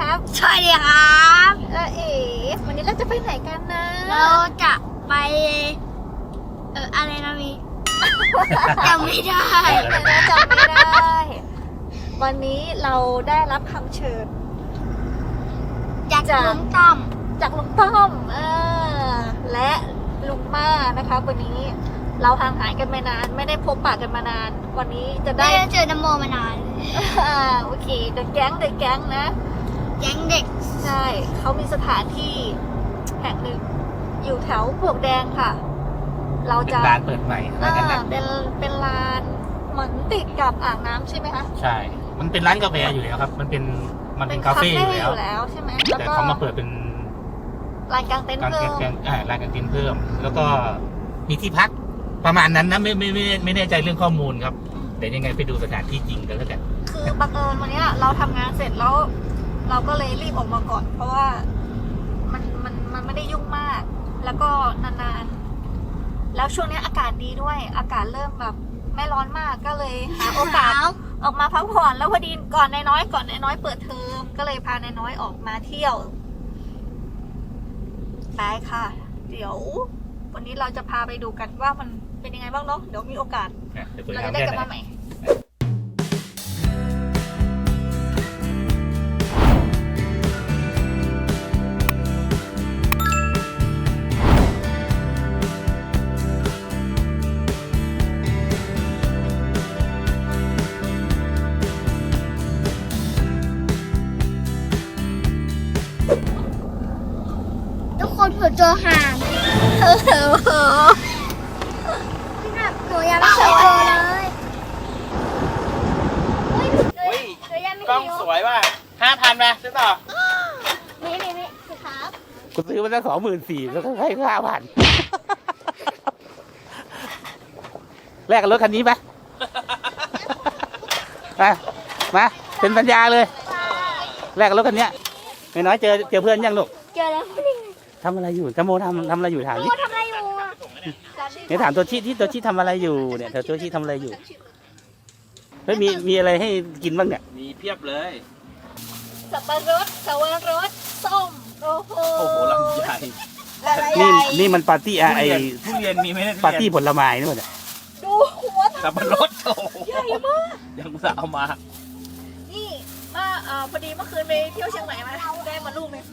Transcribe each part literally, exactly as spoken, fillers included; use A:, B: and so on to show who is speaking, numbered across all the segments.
A: สวัสดีครับ
B: เออเอ๋วันนี้เราจะไปไหนกันนะ
A: เราจะไปเอออะไรนะมี จำไม่ได้
B: จำไม่ได้ วันนี้เราได้รับคำเชิญ
A: จากลุงต้อม
B: จากลุงต้อมเออและลุงม่านะคะวันนี้เราห่างหายกันมานานไม่ได้พบปะกันมานาน วันนี้จะ
A: ได้
B: ได้
A: เจอนโมมานาน
B: อ่าโอเคเดอะแก๊งเดอะแก๊งนะ
A: แก๊งเด็ก
B: ใช่เขามีสถานที่แห่งหนึ่งอยู่แถวปลวกแดงค่ะ เรา
C: เป็น
B: จะ
C: ร้านเปิดใหม่ร้านกัน
B: อ่า
C: นะ
B: เป็นเป็นลานเหมือนติดกับอ่างน้ำใช่ไหมคะ
C: ใช่ มันเป็นร้านกาแฟอยู่แล้วครับ มันเป็นมันเป็นคาเฟ่อยู่แล้ว
B: ใช่ไหมแล้ว
C: แต่
B: ก็
C: เขามาเปิดเป็น
B: ลานกลางเต็นท์
C: การ
B: เพิ่
C: แก
B: ม
C: งอ่าร้านกางเต็นท์เพิ่ม แล้วก็มีที่พักประมาณนั้นนะไม่ไม่ไม่ไม่แน่ใจเรื่องข้อมูลครับเดี๋ยวยังไงไปดูสถานที่จริงกันแล้วกัน
B: คือบังเอิญวันเนี้ยเราทำงานเสร็จแล้ว เราก็เลยรีบออกมาก่อน เพราะว่ามันมันมันไม่ได้ยุ่งมาก แล้วก็นานๆแล้วช่วงนี้อากาศดีด้วย อากาศเริ่มแบบไม่ร้อนมากก็เลยหาโอกาส ออกมาพักผ่อนแล้วพอดีก่อนนายน้อยก่อนนายน้อยเปิดเทอมก็เลยพานายน้อยออกมาเที่ยวไปค่ะ เดี๋ยว วันนี้เราจะพาไปดูกันว่ามันเป็นยังไงบ้างเนาะเดี๋ยวมีโอกาส
C: อ่ะเดี๋ยวสวย
B: เรา
C: งาม
B: จะได้
C: แค่
B: กลับ
C: ไหน
B: มาใหม่
A: ทุกคนเผื่อเจอห่างหนูยังไม่เคยเจอเลยเฮ้ยหนูหนูยังไม่
C: กล้อง
A: เคย
C: สวยว่ะห้าพันไหมซื้อต่อ
A: นี่นี่นี่สิครับ
C: กูซื้อมาตั้งสองหมื่นสี่แล้วก็ให้ห้าพันแลกกับรถคันนี้ไหมมามาเป็นสัญญาเลยแลกกับรถคันนี้ไม่น้อยเจอเจอเพื่อนยังลูก
A: เจอแล้วนี่
C: ทำอะไรอยู่จโมทำทำอะไรอยู่ถาม
A: โอ้
C: ดิ
A: ทำอะไรอยู่อ่ะ
C: เนี่ยถามตัวชี้ที่ตัวชี้ทำอะไรอยู่เนี่ยเธอตัวชี้ทำอะไรอยู่เฮ้ยมีมีอะไรให้กินบ้างเนี่ย
D: มีเพียบเลย
B: สับปะรดสวรสส้มโอ้โห
D: โอ้โหลำใหญ่
C: นี่นี่มันปาร์ตี้อะไอ
D: ทุเรียนมีไหมเนี่ย
C: ปาร์ตี้ผลไม้นี่หมดอะ
B: ดูหัว
D: สับปะรดโอ้โห
B: ใหญ่มาก
D: ยังสาวมา
B: นี่มาเอ่อพอดีเมื่อคืนไปเที่ยวเชียงใหม่มาได้มาลูกนึง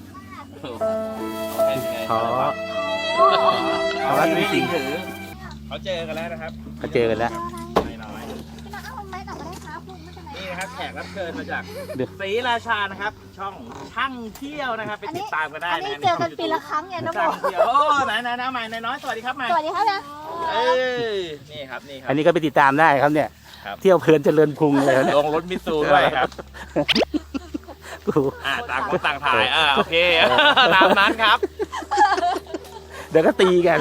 C: ขอ
D: เอาละจริงถือเขาเจอกันแล้วนะครับ
C: เขาเจอกันแล้ว
D: น้อย
B: พี่น้องเอาไม้ต่อมาได้ครับลูกไม่เป็นไร
D: ๆนี่นะครับแขกรับเชิญมาจาก
C: เดี๋ยว
D: ศรีราชานะครับ ช่องช่างเที่ยวนะครับไปติดตามกันได้
B: อัน
D: นะ
B: นี้เจอกันปีละครั้งไงน้องบ
D: ช่า
B: อง ก
D: เที่ยวโอ้ไหนไหนไหนใหม่น้อยสวัสดีครับใหม่
B: สวัสดีครับนะ
D: เออนี่ครับนี่ครั
C: อั
D: บ
C: นนี้ก็ไปติดตามได้ครับเนี่ย
D: ครับ
C: เที่ยวเพลินเจริญพุงเลยเนี่ย
D: ลงรถมิตซูด้วยครับ
C: กู
D: อ่าต่างคนต่างถ่ายอ่าโอเคตามนั้นครับ
C: เดี๋ยวก็ตีกัน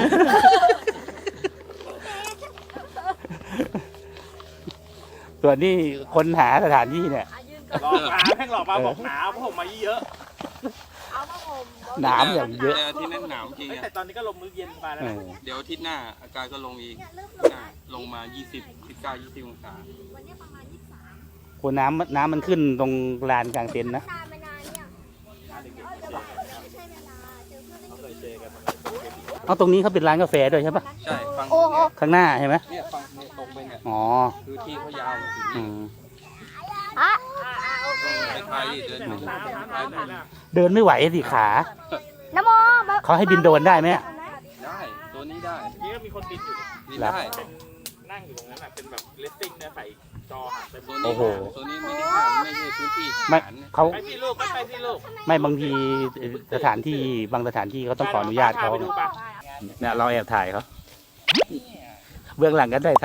C: ส่วนนี้คนหาสถานที่เนี่ย
D: หลอกมาแม่งหลอกมาบอกหนาวเพราะผมมาเยอะ
B: เอามาห่ม
C: หนามอย่างเยอะ
E: แต่อาที่นั่นหนาวจริง
D: เฮ้ย
E: อะ
D: แต่ตอนนี้ก็ลงมื้อเย็นมาแล้ว
C: เอ
D: นะ
C: อ
E: เดี๋ยวอาทิตย์หน้าอากาศก็ลงอีกอ่าลงมา ยี่สิบ ยี่สิบเก้า ยี่สิบองศา
C: คนน้ำน้ำมันขึ้นตรงลานกลางเต็นท์นะ
A: นานมานานเนี่ยไม่ใช่เวลาเจอเพื่อน
D: เคยเจอกัน
C: เอาตรงนี้เขาเป็นร้านกาแฟด้วยใช่ปะ
E: ใช่ฟัง
A: โอ้โห
C: ข้างหน้าใช่ไหม
E: เนี่ยฟังเนี่ยตรงไปเนี่ย
C: อ๋อ
E: คือที่เขายาวมาถึง
C: อื
E: นี่
C: ม
A: อ่ะ
E: ไปไทยดิเดินไป
D: น้ำน้ำน้ำน้ำ
C: เดินไม่ไหวสิขา
A: น้ำโม
C: เขาให้บินโดรนได้ไหมอะ
E: ได้ ตัวนี้ได้
D: นี่ก็มีคนบินอยู่
E: นี่ได้
D: นั่งอยู่ตรงนั้นอ่ะเป็นแบบเลสติ้งเนี่ยใส่จอหักเป็น
E: ตัวนี้ตัวนี้ไม่ได้ห้ามไม่ใช่พื้นที่ท
C: ไม่
E: หารเนี่ย
C: เขา
D: ไปที่ลูกไปที่ลูก
C: ไม่บางทีสถานที่บางสถานที่เขาต้องขออนุญาตเขา
D: ไปดูปะ
C: เนี่ยเราแอบถ่ายเขาเบื้องหลังก็ได้ท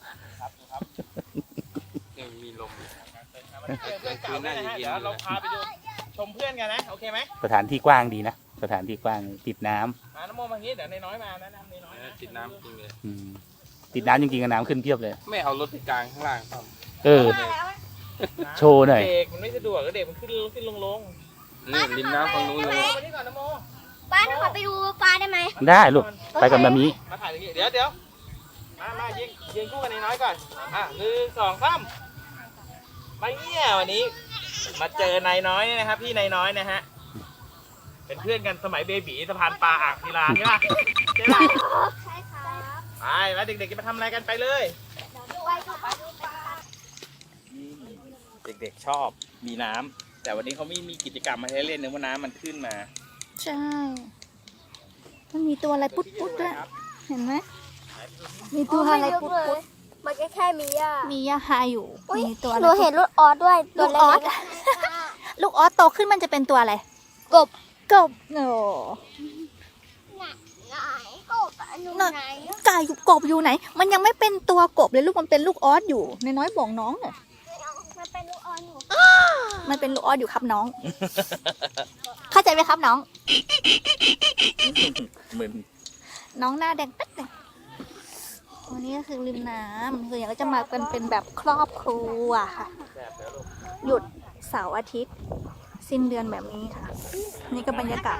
E: เนี่ยมีลม
D: เพื่อนเก่าด้วยนะฮะเดี๋ยวเราพาไปดูชมเพื่อนกันนะโอเคไหม
C: ำสถานที่กว้างดีนะสถานที่กว้างติดน้ำ
D: มาน้ำโมมาอย่างนี้เดี๋ยวในน้อยมานะน้ำในน้อย
E: เออติดน้ำจริงเลย
C: อืมติดน้ำจริงๆกับน้ำขึ้นเพียบเลย
E: ไม่เอารถไปกลางข้างล่างครับ
C: เออ โชว์หน่อย
D: เด็กมันไม่สะดวกก็เด็กมันขึ้นขึ้นลงลง
E: นี่ริมน้ำฝั่งนู้นเลย
D: มาที่ก่อนน้ำโม
A: ป้าหนูขอไปดูปลาได้ไหม
C: ได้ลูกไปกับมามี
D: มาถ่ายตรงนี้เดี๋ยวเดี๋ยวมามายิงยิงคู่กันในน้อยก่อนอ่ะหนึ่งสองสามไปเนี่ยวันนี้มาเจอนายน้อยเนี่ยนะครับพี่นายน้อยนะฮะเป็นเพื่อนกันสมัยเบบีสะพานปลาอ่างศิลาใช่ปะใช่ปะ
A: ใช่ครับ
D: ไปแล้วเด็กๆจะมาทำอะไรกันไปเลย
A: ไปดูไปดูปลา
D: เด็กๆชอบมีน้ำแต่วันนี้เขาไม่มีกิจกรรมมาให้เล่นเนื่องว่าน้ำมันขึ้นมา
B: ใช่ มันมีตัวอะไรปุ๊ดปุ๊ดด้วย เห็นไหม มีตัวอะไรปุ๊ดปุ๊ด
A: มันก็แค่มีอ่ะ
B: มียาฮาอยู่ มีตัวอะไร
A: หนูเห็นลูกออสด้วย
B: ลูกออส ลูกออสโตขึ้นมันจะเป็นตัวอะไร
A: กบ
B: กบโอ้
A: ไหนกบอยู่ไหน
B: ไก่กบอยู่ไหน มันยังไม่เป็นตัวกบเลยลูกมันเป็นลูกออสอยู่ในน้อยบอกน้องเนี่ย
A: มันเป็นลูกออสอยู่
B: มันเป็นลูกออสอยู่ครับน้อง เข้าใจไหมครับน้อง
D: มึน
B: น้องหน้าแดงแป๊ดเลยวันนี้ก็คือริมน้ำคืออย่างก็จะมากันเป็นแบบครอบครัวค่ะ หยุดเสาร์อาทิตย์ สิ้นเดือนแบบนี้ค่ะ นี่ก็บรรยากาศ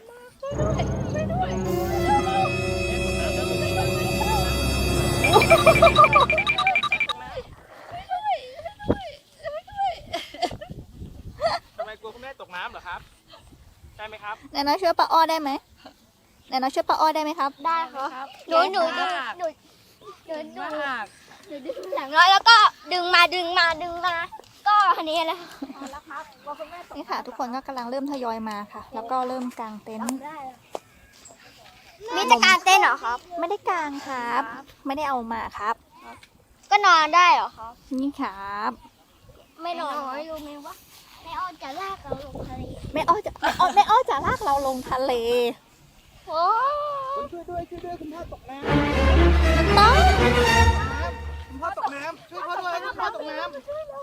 D: ทำไมกลัวคุณแม่ตกน้ำเหรอครับใช่ไหมครับ
B: แนน้อยช่วยป้าอ้อได้ไหมแนน้อยช่วยป้าอ้อได้ไหมครับ
A: ได้ครับหนูหนูดูหนูหนูดูหนูดูอย่างน้อยแล้วก็ดึงมาดึงมาดึงมา ก็อันนี้แหละ
B: นี่ค่ะ ทุกคนก็กำลังเริ่มทยอยมาค่ะ แล้วก็เริ่มกางเต็นท์
A: นี่จะการเต้นเหรอครับ
B: ไม่ได้กางครับ ไม่ได้เอามาครับ
A: ก็นอนได้เหรอครับ
B: นี่ครับ
A: ไม่นอนรู้ไหมว่าไม่ออนจะลากเราลงทะเล
B: แม่อ้อจะแม่อ้อแม่อ้อจะลากเราลงทะเล
A: โอ้
D: ช่วยด้วยช่วยด้วยคุณพ่อตกน้
B: น้อง
D: ำคุณพ่อตกน้ำช่วยพ่อด้วยคุณพ่อตกน้ำ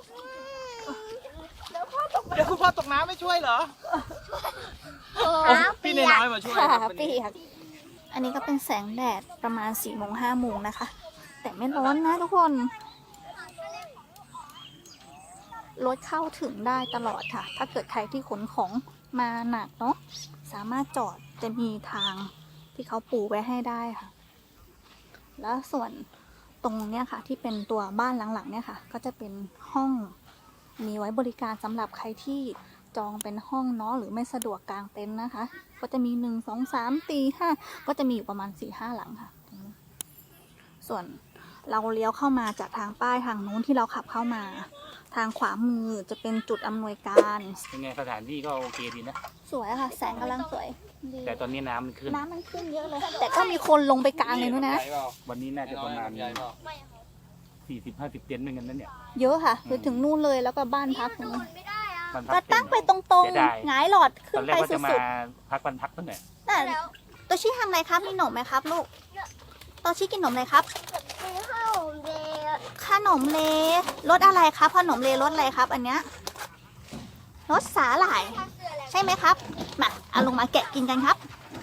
D: เดี๋ยวคุณพ่อตกน้ำไม่ช่วยเหรอ
A: โห
D: พี่นายน้อยมาช่วย
B: ค่ะ
D: ครับวัน
B: ปี
D: นี้
B: กอันนี้ก็เป็นแสงแดดประมาณสี่โมงห้าโมงนะคะ แต่ไม่ร้อนนะทุกคน รถเข้าถึงได้ตลอดค่ะ ถ้าเกิดใครที่ขนของมาหนักเนาะ สามารถจอดจะมีทางที่เขาปูไว้ให้ได้ค่ะ แล้วส่วนตรงเนี้ยค่ะ ที่เป็นตัวบ้านหลังๆเนี่ยค่ะ ก็จะเป็นห้องมีไว้บริการสำหรับใครที่จองเป็นห้องเนาะหรือไม่สะดวกกางเต็นท์นะคะ ก็จะมีหนึ่งสองสามสี่ห้าก็จะมีอยู่ประมาณสี่ห้าหลังค่ะ ส่วนเราเลี้ยวเข้ามาจากทางป้ายทางนู้นที่เราขับเข้ามา ทางขวามือจะเป็นจุดอำนวยการ
C: เป็นไงสถานที่ก็โอเคดีนะ
B: สวยอะค่ะ แสงกำลังสวยดี
C: แต่ตอนนี้น้ำมันขึ้น
B: น้ำมันขึ้นเยอะเลย แต่ก็มีคนลงไปกลางเลยนู้นนะ
C: วันนี้น่าจะประมาณ
E: ใหญ่เปล่า
C: สี่สิบห้าสิบเต็นท์เหมือนกันนั่นเนี่ย
B: เยอะค่ะ คือถึงนู่นเลยแล้วก็บ้านพักนู้น
A: ไม่ได้อ่ะ
C: มันพั
B: ก็
C: กเต็
B: ตั้
C: ม
B: งไปตรง
C: เสียดาย
B: ๆหงายหลอดขึ้
C: ตอน นแร
B: ไป
C: กว่า
B: สุ
C: จะมา
B: ด
C: พักวันพักตั้งแต่
B: ๆแต่ตัวชี้ทำอะไรครับมีขนมไหมครับลูกตัวชี้กินขนมอะไรครับ
A: ซื้อข้าวเดย์
B: ขนมเลรสอะไรครับขนมเลรสอะไรครับ อันเนี้ยรสสาหร่าย ใช่ไหมครับ มาเอาลงมาแกะกินกันครับ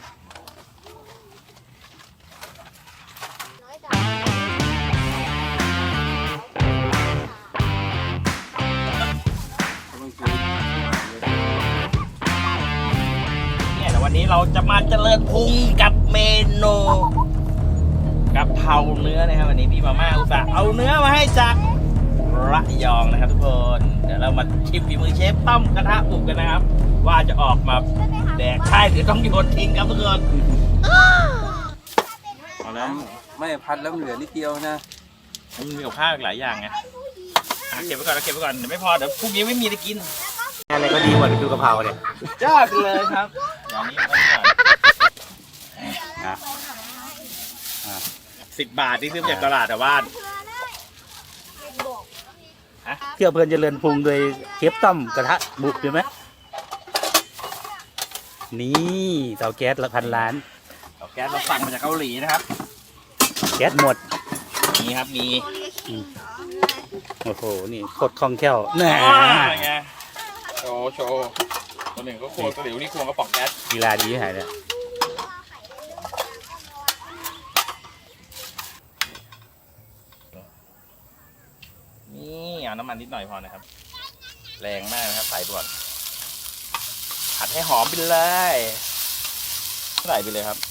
D: เนี่ยแต่วันนี้เราจะมาเจริญพุงกับเมนูกะเพราเนื้อนะครับวันนี้พี่มาม่าอุตส่าห์เอาเนื้อมาให้จากระยองนะครับทุกคนเดี๋ยวเรามาชิมฝีมือเชฟต้อมกระทะบุกกันนะครับ ว่าจะออกมาแดกใช่หรือต้องโยนทิ้งครับทุกคนเอาแล้ว
E: ไม่พัดแล้วมันเหลือนิดเดียวนะ
D: มันมีกับข้าวอีกหลายอย่างไงอ่ะเก็บไว้ก่อนเก็บไว้ก่อนเดี๋ยวไม่พอเดี๋ยวพรุ่งนี้ไม่มีจะกิน
C: อะไรก็ดีกว่าดูกะเพราเนี่ย
D: ยอดเลยครับอย่างนี้ไม่ก่อนสิบบาทที่ซื้อมาจากตลาดแต่ว่า
C: เที่ยวเพลินเจริญพุงโดยเชฟต้อมกระทะบุกใช่ไหมนี่เตาแก๊สละพันล้าน
D: เอาแก๊สเราสั่งมาจากเกาหลีนะครับ
C: แก๊สหมด
D: มีครับมี
C: โอ้โห นี่โคตรคล่องแคล่วแน่
D: ไงโชว์โชว์ตัวหนึ่งก็ควงตัวหลิวนี่ควงกระป๋องแก๊ส
C: กีฬาดีหายเลย
D: นี่เอาน้ำมันนิดหน่อยพอนะครับ แรงมากนะครับใส่ก่อนผัดให้หอมไปเลยใส่ไปเลยครับ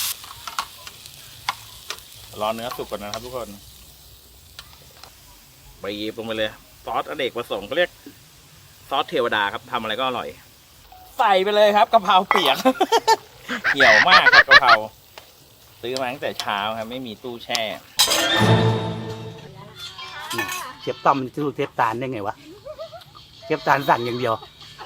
D: รอเนื้อสุกก่อนนะครับทุกคนบีบลงไปเลยซอสอเนกประสงค์เขาเรียกซอสเทวดาครับทำอะไรก็อร่อย ใส่ไปเลยครับกะเพราเปียก เหี่ยวมากครับกะเพราซื้อมาตั้งแต่เช้าครับไม่มีตู้แช่
C: เชฟต้อมจะรู้เชฟตาลได้ไงวะเชฟตาลสั่งอย่างเดียว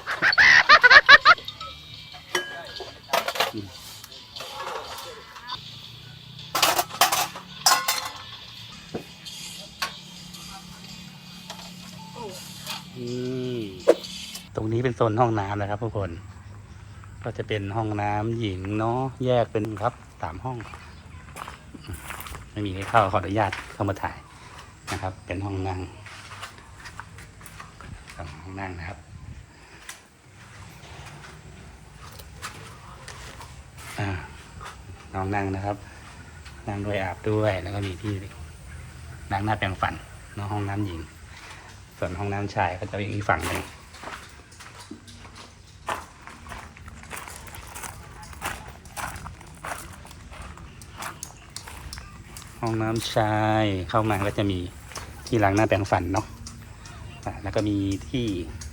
C: ตรงนี้เป็นโซนห้องน้ำนะครับทุกคนก็จะเป็นห้องน้ำหญิงเนาะแยกเป็นครับสามห้องไม่มีให้เข้าขออนุญาตเข้ามาถ่ายนะครับเป็นห้องนั่งสองห้องนั่งนะครับอ่าน้องนั่งนะครับนั่งด้วยอาบด้วยแล้วก็มีที่ล้างหน้าแปรงฟันเนาะห้องน้ำหญิงส่วนห้องน้ำชายก็จะอีกฝั่งหนึ่งห้องน้ำชายเข้ามาก็จะมีที่ล้างหน้าแปรงฟันเนาะแล้วก็มีที่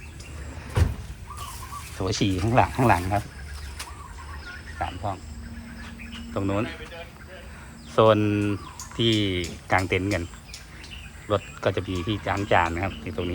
C: โถฉี่ข้างหลังข้างหลังครับสามห้องตรงนู้นโซนที่กางเต็นท์กันรถก็จะมีที่ล้างจานนะครับที่ตรงนี้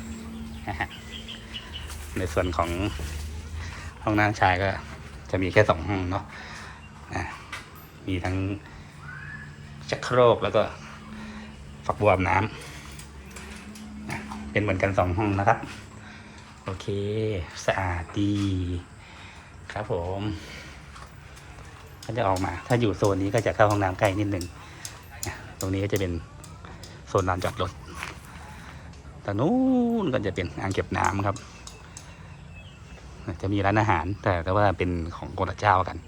C: ในส่วนของห้องน้ำชายก็จะมีแค่สองห้องเนาะมีทั้งชักโครกแล้วก็ฝักบัวอาบน้ำเป็นเหมือนกันสองห้องนะครับโอเคสะอาดดีครับผมก็จะออกมาถ้าอยู่โซนนี้ก็จะเข้าห้องน้ำใกล้นิดนึงตรงนี้ก็จะเป็นโซนลานจอดรถแต่นู้นก็จะเป็นอ่างเก็บน้ำครับจะมีร้านอาหารแต่ก็ว่าเป็นของคนละเจ้ากัน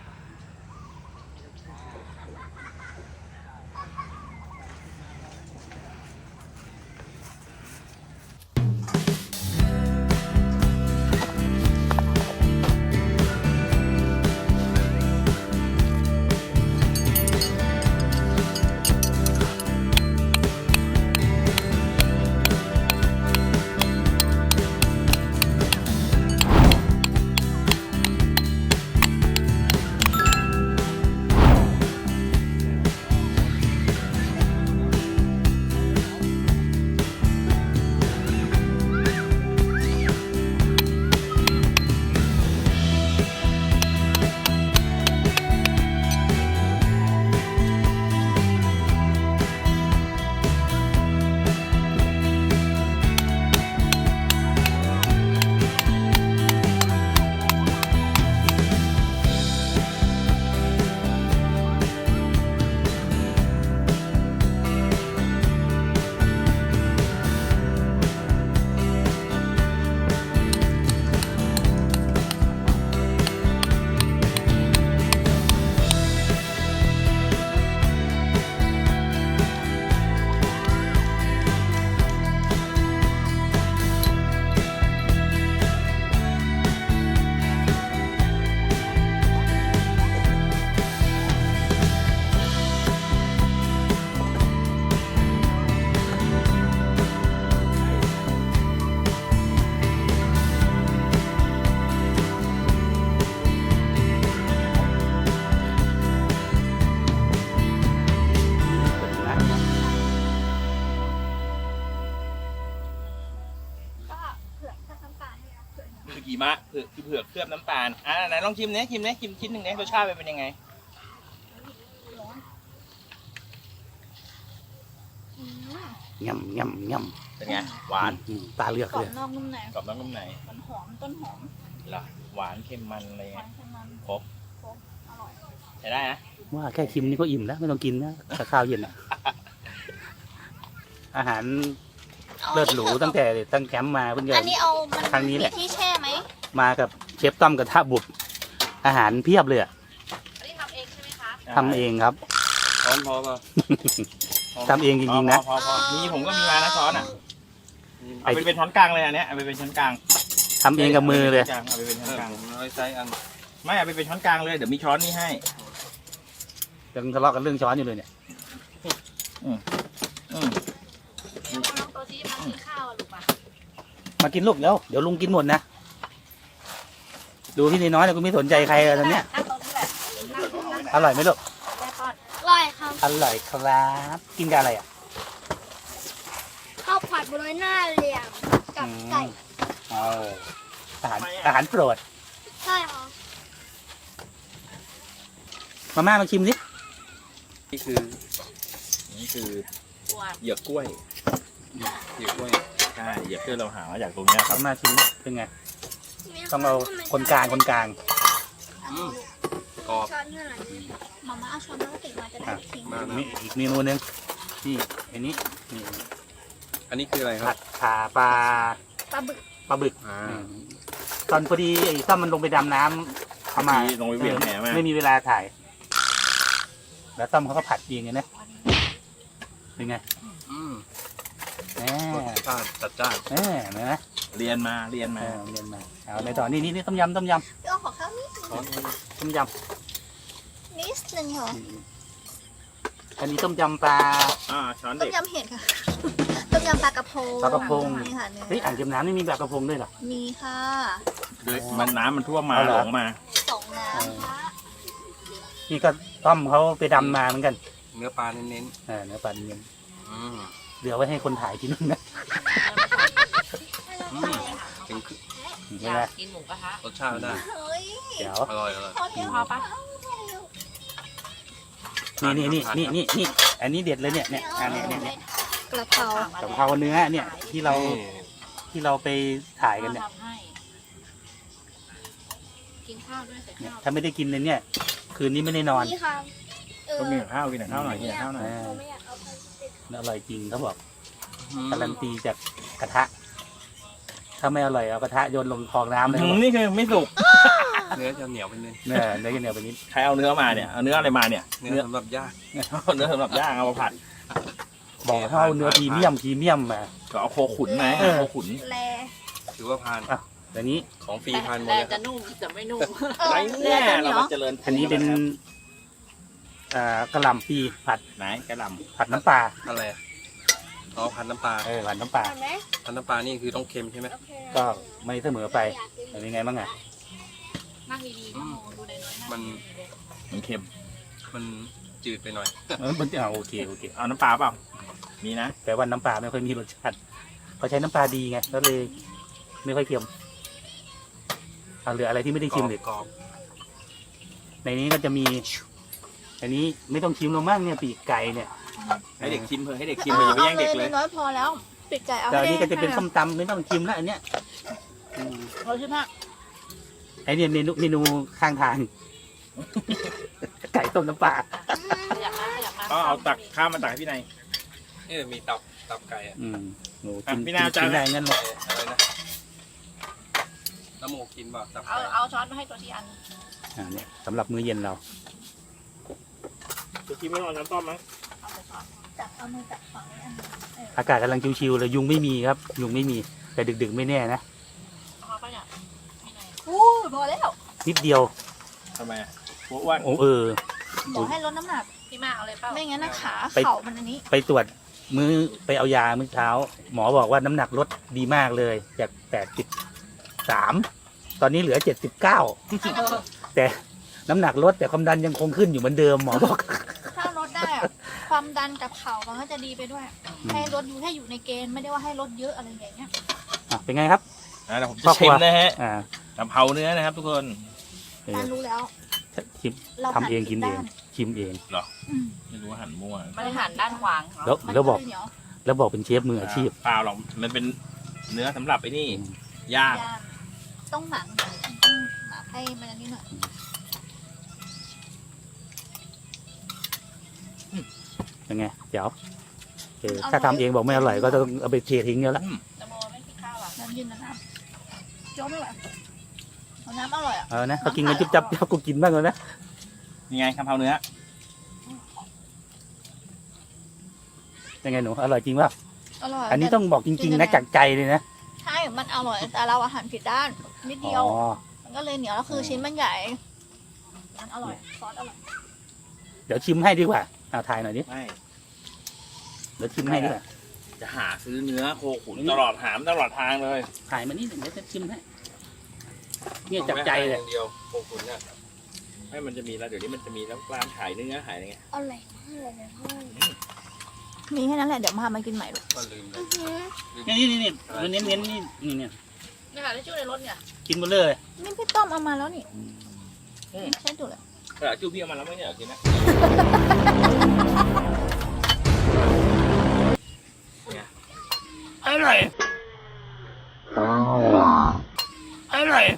D: หิมะเผือกเผือกเคลือบน้ำตาลอ่าไหนลองชิมเนี่ยชิมเนี่ยชิมชิ้นหนึ่งเนี่ยรสชาติเป็นยังไง
C: ย่ำย่ำย่ำ
D: เป็นไงหวาน
C: ตาเลือก
B: กรอ
C: เล
B: บ
C: ย
B: นอกนุ่มใน
D: กรอบนอกนุ่มใน
B: มันหอมต้นหอม
D: เหรอหวานเค็มมันอะไร
B: หวา
D: เงี้
B: น
D: ย
B: เค็มมัน
D: ครบ
B: อร่อย
D: ใช้ได้นะ
C: ว่าแค่ชิมนี่ก็อิ่มแล้วไม่ต้องกินนะกับข้าวเย็นอ่ะ อาหารเลิศหรูตั้งแต่ตั้งแคมป์มาเพิ่งจะ
B: อันนี้เอามัน
C: ครั้งนี้แหละ
B: มีที่แช่ไหม
C: มากับเชฟต้อมกระทะบุตรอาหารเพียบเลยอะ
B: อันนี้ทำเองใช่ไหมคะ
C: ทำเองครับ
E: พร้อมพอป่ะ
C: ทำเองจริงๆนะ
D: พอพอพอมีผมก็มีมานะช้อนอ่ะเอาไปเป็นช้อนกลางเลยอันเนี้ยเอาไปเป็นช้อนกลาง
C: ทำเองกับมือเลย
D: เอาไปเป็นช้อนกลาง
E: ผมเอาไซส์อัน
D: ไม่เอาไปเป็นช้อนกลางเลยเดี๋ยวมีช้อนนี่ให้
C: ยังทะเลาะกันเรื่องช้อนอยู่เลยเนี่ย
D: อืม
B: ลอง
C: มากินลูกแล้วเดี๋ยวลุงกินหมดนะดูพี่น้อยๆนะกูไม่สนใจใครเลยตอนเนี้ย
B: นั่งตรงนี้แหละนั่งตรงนั้น
C: อร่อยไหมลูก
B: แม่ป้อน
A: อร่อยครับ
C: อร่อยครับกินกับอะไรอ่ะ
A: ข้าวผัดบรอยหน้าเหลี่ยมกับไก่
C: เอาอาหารอาหารโปรด
A: ใช่ครับ
C: มาม่ามาชิมสิ
E: นี่คือ นี่คือเหยือกกล้วยเหยือกกล้วย
D: ใช่เหยียบเพื่อเราหามาจากตรงเนี้ยครับ
C: มาม่าชิมดิเป็นไงต้องเอาคนกลางคนกลาง
E: อืมกรอบ
A: ช้อนเท่าไหร่
B: มาม่าเอาช้อนพลาสติกมาจะได้
C: อ่ะ
B: ทิ้ง
E: มา
C: มีอีกเมนูหนึงนี่อันนี้นี่
E: อันนี้คืออะไรค
C: ผั
E: รับ
C: ดขาปลา
B: ปลาบึก
C: ปลาบึก
E: อ่า
C: อืมตอนพอดีไอ้ต้อมมันลงไปดำน้ำเข้ามา
D: ลงไปเวียนแหมา
C: ไม่มีเวลาถ่าย แล้วต้อมเขาก็ผัดเองไงนะเป็นไง
E: อืม
C: แหม
E: รสชาติจัดจ้าน
C: แหมเห็นไหม
D: เรียนมาเรียน
C: เอ
D: มา
C: อเรียนมาเอาในต่อนี่นี่นี่ต้มยำต้มย
B: พี่อ้อขอข้าวนิด
E: ช้อน
C: ำต้มย
B: นิดนึงเหรอ
C: ำอันนี้ต้มยำปลา
D: อ่าช้อน
B: ต้
D: เด็
B: ม
D: ก
B: ยำเห็ดค่ะ ต้มยำปลากระพง
C: ปลากระพง
B: นี่ค่ะเนื้อ
C: เฮ้ยอ่างเก็บน้ำนี่มีแบบกระพงด้วยเหรอ
B: มีค่ะ
D: ด้วยมันน้ำมันท่วมมา
C: เอาเหร
D: ห
C: อ
D: ลงมา
B: สองน้ำค่ะ
C: นี่ก็ต้อมเขาไปดำมาเหมือนกัน
E: เนื้อปลาเน้น
C: เออเนื้อปลาเนียน
E: ๆอืม
C: เหลือไว้ให้คนถ่ายกินนึงนะ
E: อืมถึงคือ
C: ใช่ไหม
F: กินหมูกระทะ
E: รสชาติได้
B: เฮ้ย
C: เดี๋ยว
E: อร่อยอร่อย
B: พอเที่ยว
F: พอปะ
C: นี่นี่นี่นี่นี่นี่อันนี้เด็ดเลยเนี่ยเนี่ยอันเนี้ยเนี่ยเนี่ย
B: กระเพราก
C: ะเพราเนื้อเนี่ยที่เรา
E: นี่
C: ที่เราไปถ่ายกันเนี่ย
F: ทำให้ กินข้าวด้วยใส่
C: เนี่ย
F: ข้าว
C: ถ้าไม่ได้กินเลยเนี่ย คืนนี้ไม่ได้นอน
A: นี่ค่ะเออ
D: ก็มีข้าวกินข้าวหน่อยกินข้าวหน่อย
C: เออ
A: เราไม่อยากเอาไปติด
C: อร่อยจริงเขาบอก
E: อืม
C: การันตีจากกระทะ ถ้าไม่อร่อยเอากระทะโยนลงคลองน้ำเลย
D: อืมนี่คือไม่สุก
E: เนื้อจะเหนียวไปนิด
C: เนี่ยเนื้อกันเหนียวไปนิด
D: ใครเอาเนื้อมาเนี่ยเอาเนื้ออะไรมาเนี่ย
E: เนื้
D: เนื้
E: อ
D: อ
E: สำหรับย่าง
D: เนื้อสำหรับย่างเอามาผัด
C: บอกให้เอาเนื้อพรีเมียมพรีเมียมมา
D: ก็เอาโคขุนไหม
C: เออ
D: โคขุน
B: แล
E: ถือว่าพาน
C: แต่นี้
E: ของฟรีพานหมด
F: แต่
E: เลยค
F: จะ
E: รับ
F: นุ่มแต่ไม่นุ่ม
B: เออ
D: ไร
B: เลือ
D: เนี่
B: ด
D: ย
B: จะเหนี
D: เรา
B: ยว
D: มาเจริญ
C: อันนี้เป็นอ่ากระหล่ำปีผัด
D: ไหนกระหล
C: ผัดน้ำปลา
E: อะไรอะอ๋อพันน้ำปลา
C: เออผัดน้ำปลา
A: เห็นไหม
E: พันน้ำปลานี่คือต้องเค็มใช่ไหม
A: โอเค
C: ก็ไม่เสมอไป
A: อยากกิน
C: เป็นยังไงบ้างอ่ะ
F: นั่งดีๆนะโมดูในน้อยๆ
E: มัน
D: ำมันเค็ม
E: มันจืดไปหน่อย
C: เออมันเอาโอเคโอเค
D: เอาน้ำปลาเปล่ามีนะ
C: แต่ว่าน้ำปลาไม่ค่อยมีรสชาติเขาใช้น้ำปลาดีไงก็เลยไม่ค่อยเค็มเอาเหลืออะไรที่ไม่ได้ชิมเลย
E: กรอบ
C: ในนี้ก็จะมี อันนี้ไม่ต้องชิมหรอกมั้งเนี่ยปีกไก่เนี่ย
D: ให้เด็กชิมเถอะให้เด็กชิมเถอะอย่าไปแย่งเด็กเลย
B: น้อยพอแล้ว ปิดใจเอา
C: แต่อันนี้ก็จะ
B: ให้
C: เป็น
B: ให้
C: ส้มตำไม่ต้องชิมแล้วอันเนี้ยอืม
F: เราใช่ไหม
C: ไอเนี่ยเมนูเมนูข้างทาง ไก่ต้มน้ำปลา
F: อยากมาอยากมา
D: ก็เอาตักข้าวมาตักให้พี่นาย
E: เอ้ยมีตับตับไก่อะ
C: อืมโห
D: อ่ะ
C: กิน
D: พี่นาว
C: กิน
D: จาน
C: ได้งั้นเลย
E: อะไรนะน้ำหมูกินเปล่าตับ
F: เอา
E: ไก่
F: เอาช้อนมาให้ตัวที่อัน
C: อ่าเนี่ยสำหรับมื้อเย็นเรา
D: จะกินไม่รอน้ำต้มมั้ง
F: เอาไปช้อน
B: จับเอามือจับฝั่งนี้อันนี้
C: อากาศกำลังชิวๆเลยยุงไม่มีครับ ยุงไม่มี แต่ดึกๆไม่แน่นะ
F: เอาไปเนี่ยมีไหน
B: อู้ยพอแล้ว
C: นิดเดียว
D: ทำไมอะหัวอ้วน
C: โอ้เออ
B: บอกให้ลดน้ำหนัก
F: พี่มาเอาเลยเปล่า
B: ไม่งั้นนะขา
C: ไป
B: เข่ามันอันนี้
C: ไปตรวจมื้อไปเอายามื้อเช้า หมอบอกว่าน้ำหนักลดดีมากเลย จากแปดสิบสามตอนนี้เหลือเจ็ดสิบเก้าแต่น้ำหนักลดแต่ความดันยังคงขึ้นอยู่เหมือนเดิมหมอบอก
B: ถ้าลดได้อะความดันกับเข่ามันก็จะดีไปด้วย ให้ลดอยู่ให้อยู่ในเกณฑ์ไม่ได้ว่าให้ลดเยอะอะไรอย่างเงี้ย
C: อ่ะเป็นไงครับ
D: นะเดี๋ยวผม
C: ครอ
D: จะ
C: บครั
D: ชิ
C: ว
D: มนะฮะ
C: อ่าก
D: ะเพราเนื้อนะครับ ทุกคน
C: เออ
B: การรู้แล้ว
C: ชิม
B: เรา
C: ทำเองกินเอง
B: ด้า
C: ชิมเอง
B: อืม
D: ไม่รู้ว่าหั่นมั่ว
F: ไม่ได้หั่นด้านขวางเหรอ
C: แล้ว
B: มัน
C: แล้วบอก
B: เลยเหนียว
C: แล้วบอกเป็นเชฟมืออาชีพ
D: เปล่าหรอกมันเป็นเนื้อสำหรับไอ้นี่
C: อืม
D: ย่าง
B: ย่างต้องหมักต้องหมักให้มันอันนี้หน่อย
C: เป็นไงเดี๋ยวเออถ้าทำเองบอกไม่อร่อยก็ต้องเอาไปเททิ้งแล้วละ
F: จะโมไม่กินข้าวอ่ะ
B: น้ำเย็นนะน้ำโจ๊กไม่ไหวเอาน้ำอร่อยอ่ะ
C: เออนะเขากินกันจุ๊บจับจับกูกินบ้างเลยนะ
D: ยังไงกะเพราเนื้อ
C: ยังไงหนูอร่อยจริงป่ะ
B: อร่อย
C: อันนี้ต้องบอกจริงๆนะจากใจเลยนะ
B: ใช่ มันอร่อยแต่เราอาหารผิดด้านนิดเดียว
C: อ๋อ
B: มันก็เลยเหนียวแล้วคือชิ้นมันใหญ่มันอร่อยซอสอร่อย
C: เดี๋ยวชิมให้ดีกว่าเอาถ่ายหน่อยดิ
D: ไม่
C: เดี๋ยวชิมให้ดีกว่า
D: จะหาซื้อเนื้อโคขุนตลอดหามตลอดทางเลย
C: ถ่ายมานี่เดี๋ยวจะชิมให้เนี่ยจับใจเลย
E: างเดียวโคขุนเนี่ยให้มันจะมีแล้วเดี๋ยวนี้มันจะมีแล้วร้านขายเนื้อขายอะไรเงี้ย
A: อร่อยมากเลยนะพ่อ
B: มีแค่นั้นแหละ เดี๋ยวพามากินใหม่ลูก
E: ก็ลืมเลย
C: นี่นี่นี่นี่เน้นเน้นนี่นี่เนี่ย
F: นี่ค่ะที่ชื่อในรถเนี่ย
C: กินหมดเลย
B: นี่พี่ต้อมเอามาแล้วนี่ใช่ถูกเลย
E: แต่จูพี่เอามาแล้วไม่อยากกินนะ
C: อร่อยอร่อย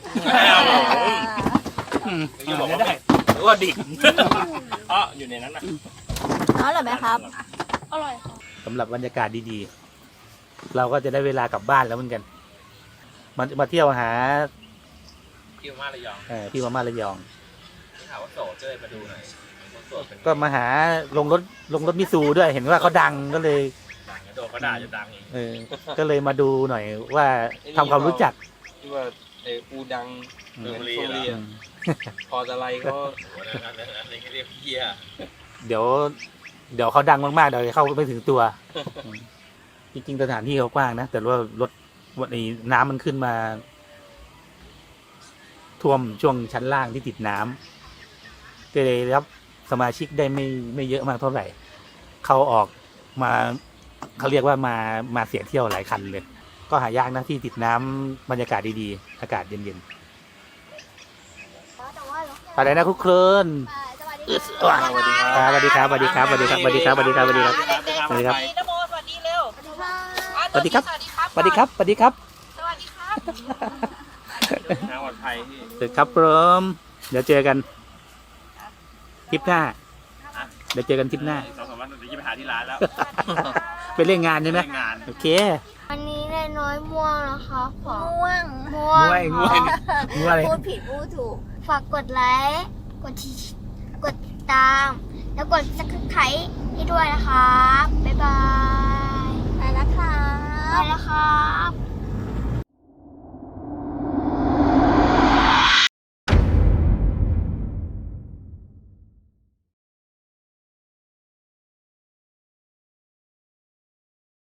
C: อืม
E: จะบอกว่า
C: ได้
E: หรือว่าดิบอ๋ออยู่ในนั้นนะ
B: เอาเหรอไหมครับ
A: อร่อยค่ะ
C: สำหรับบรรยากาศดีๆ เราก็จะได้เวลากลับบ้านแล้วเหมือนกัน มามาเที่ยวหา
E: ที่มาระยอง
C: เอ่อพี่มาม่าระยอง
E: ที่ถามว่าโสดเจ้ยมาดูหน่อยคนโสดเป็น
C: ก็มาหาลงรถลงรถมิซูด้วยเห็นว่าเขาดังก็เลย
E: ดังโดนเขาด่าจะดังอีก
C: เออ ก็เลยมาดูหน่อยว่าทำความรู้จัก
E: ที่ว่าไอ้อูดัง
C: อืม
E: เมืองโซเลีย
C: อืม
E: พอจะไรก็
D: อะไรก็เรียกเฮีย
C: เดี๋ยว เดี๋ยวเขาดังมากๆเดี๋ยวเข้าไม่ถึงตัวอืมจริงๆสถานที่เขากว้างนะ แต่ว่ารถวันนี้น้ำมันขึ้นมา ท่วมช่วงชั้นล่างที่ติดน้ำก็เลยรับสมาชิกได้ไม่ไม่เยอะมากเท่าไหร่ เขาออกมาเขาเรียกว่ามามาเสียเที่ยวหลายคันเลย ก็หายากนะที่ติดน้ำบรรยากาศดีๆ อากาศเย็น
A: แต่ว่าเรา
C: ๆอะไรนะคุกคลืน
A: สวัสดี
C: อึด
A: ค่ะ
C: สวัสดีครับสวัสดีครับสวัสดีครับสวัสดีครับสวัสดีครับสวัสดีครับสวัสดีครับ
F: เด็กๆ
C: สวัสดีครับ
F: นโมสวัสดีเร็ว
C: สวัสดีครับ
F: สวัสดีครับ
C: สวัสดีครับสวัสดีครับ
F: สวัสดีครับ
E: เดินทางปลอดภัยที่
C: เสร็จครับผมเดี๋ยวเจอกันทริปหน้า เดี๋ยวเจอกันทริปหน้า
E: สองสามวันเดี๋ยวจะไปหาที่ร้านแล้ว
C: ไปเล่นงานใช่ไหม
E: งาน
C: โอเค
A: วันนี้นายน้อยม่วงนะคะขอ
B: ม่วง
A: ม่วง
C: ง่วยง่วยง่วยอะไร
B: พูดผิดพูดถูก
A: ฝากกดไลค์กดที่กดติดตาม แล้วกดซับสไครต์ให้ด้วยนะคะบ๊ายบาย
B: ไปแล้วค่ะ
A: ไปแล้วครับ